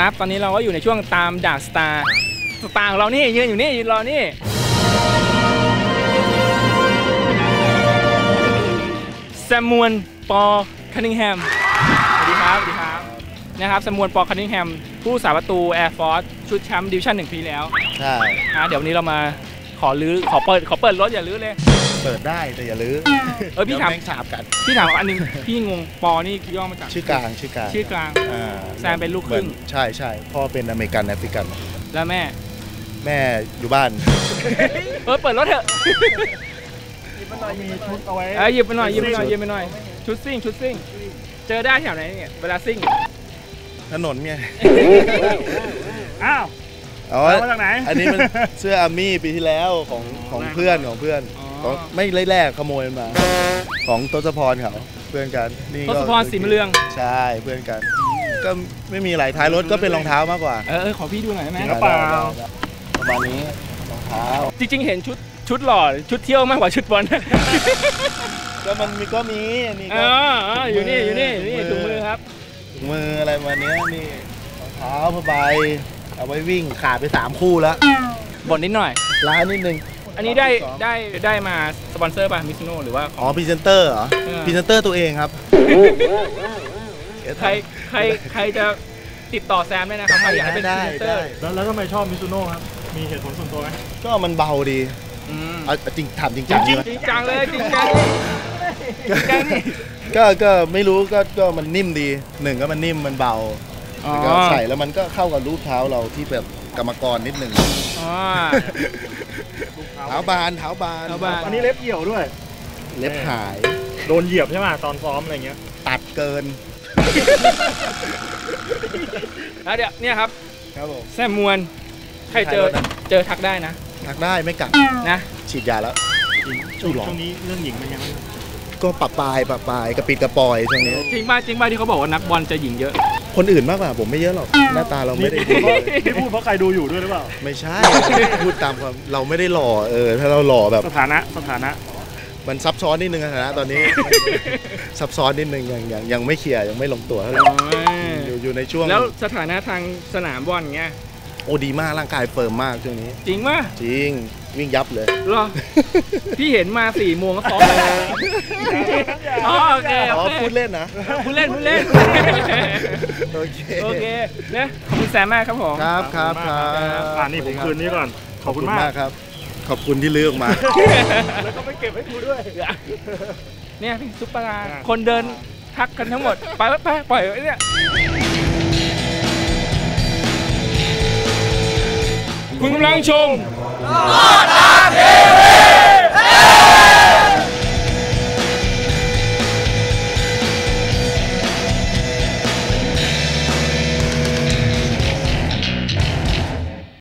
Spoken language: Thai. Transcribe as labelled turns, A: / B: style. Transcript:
A: ครับตอนนี้เราก็อยู่ในช่วงตามดาร์กสตาร์ของเรานี่ยืนอยู่นี่ยืนรอนี่แซมมวนปอคันนิงแฮมสวัสดีครับนะครับแซมมวนปอคันนิงแฮมผู้สาประตูแอร์ฟอร์สชุดแชมป์ดิวิชั่น1 ปีแล้ว
B: ใช่
A: เดี๋ยววันนี้เรามาขอเปิดรถอย่าลื้อเลย
B: เปิดได้แต่อย่าลื้อ
A: พี่ถาม
B: ฉาบกัน
A: พี่ถามอันนึงพี่งงปอนี่ย่อมาจาก
B: ชื่อกลาง
A: แซมเป็นลูกครึ่ง
B: ใช่พ่อเป็นอเมริกันแอฟริกัน
A: แล้วแม่
B: อยู่บ้าน
A: เปิดรถเถอะ
C: มีชุดเอาไว้
A: หยิบไปหน่อยชุดซิ่งเจอได้แถวไหนเนี่ยเวลาซิ่ง
B: ถนนเนี่ย
C: อ้าวมาจากไหน
B: อันนี้มันเสื้ออาร์มี่ปีที่แล้วของเพื่อนไม่แรกขโมยมาของทศพรเขาเพื่อนกันนี่
A: ทศพรสีมะเรือง
B: ใช่เพื่อนกันก็ไม่มีอะไรท้ายรถก็เป็นรองเท้ามากกว่า
A: ขอพี่ดูหน่อยได้ไหม
B: กระเป๋าประมาณนี้รองเท้า
A: จริงๆเห็นชุดหล่อชุดเที่ยวมากกว่าชุดบอล
B: ก็มันมีอันนี้
A: อยู่นี่ถุงมือครับ
B: ถุงมืออะไรมาเนี้ยนี่รองเท้าผ้าใบเอาไว้วิ่งขาดไป3 คู่แล้ว
A: บ่นนิดหน่อย
B: ร้านนิดนึง
A: อันนี้ได้มาสปอนเซอร์ป่ะมิซูโน่หรือว่า
B: พรีเซนเตอร์เหรอพรีเซนเตอร์ตัวเองครับ
A: ใครจะติดต่อแซมได้นะครับใครอยากให้เป็นพรีเซนเตอร์
C: แล้วทำไมชอบมิซูโน่ครับมีเหตุผลส่วนตัวไหม
B: ก็มันเบาดีจริงถามจริงจั
A: งเลยจริงจังนี่
B: ก็ไม่รู้ก็มันนิ่มดี1ก็มันนิ่มมันเบาก็ใส่แล้วมันก็เข้ากับรูปเท้าเราที่แบบกรรมกรนิดหนึ่งเท้าบาน
C: อันนี้เล็บเหี่ยวด้วย
B: เล็บหาย
C: โดนเหยียบใช่ไหมตอนซ้อมอะไรเงี้ย
B: ตัดเกิน
A: แล้วเดี๋ยวเนี่ยครับ
B: ผม
A: แซมมวนใครเจอทักได้นะ
B: ทักได้ไม่กัด
A: นะ
B: ฉีดยาแล้ว
C: ช่วงนี้เรื่องหญิงเป็นยังไง
B: ก็ปะปายกระปิดกระปอยช่วงนี้
A: จริงป่ะที่เขาบอกว่านักบอลจะหญิงเยอะ
B: คนอื่นมากกว่าผมไม่เยอะหรอกหน้าตาเราไม่ได้
C: ดีนี่พูดเพราะใครดูอยู่ด้วยหรือเปล่า
B: ไม่ใช่พูดตามความเราไม่ได้หล่อถ้าเราหล่อแบบ
C: สถานะ
B: มันซับซ้อนนิดนึงสถานะตอนนี้ซับซ้อนนิดนึงยังไม่เคลียร์ยังไม่ลงตัวเท่าไหร่อยู่ในช่วง
A: แล้วสถานะทางสนามบอลเงี้ย
B: โอ้ดีมากร่างกายเฟิร์มมากช่วงนี้
A: จริงป่ะ
B: จริงวิ่งยับเลย
A: หรอพี่เห็นมา4 โมงก็ซ้อมแล้วโอเค
B: พูดเล่นนะ
A: พูดเล่นโอเคเนี่ยขอบคุณแซมมากครับผม
B: ครับ
C: นี่ผมคืนนี้ก่อนขอบคุณมาก
B: ครับขอบคุณที่เลือกมา
C: แล้วก็ไปเก็บให้กูด้วย
A: เนี่ยพี่ซุปเปอร์คนเดินทักกันทั้งหมดไปปล่อยไว้เนี่ยคุณกำลังชมโลดอาที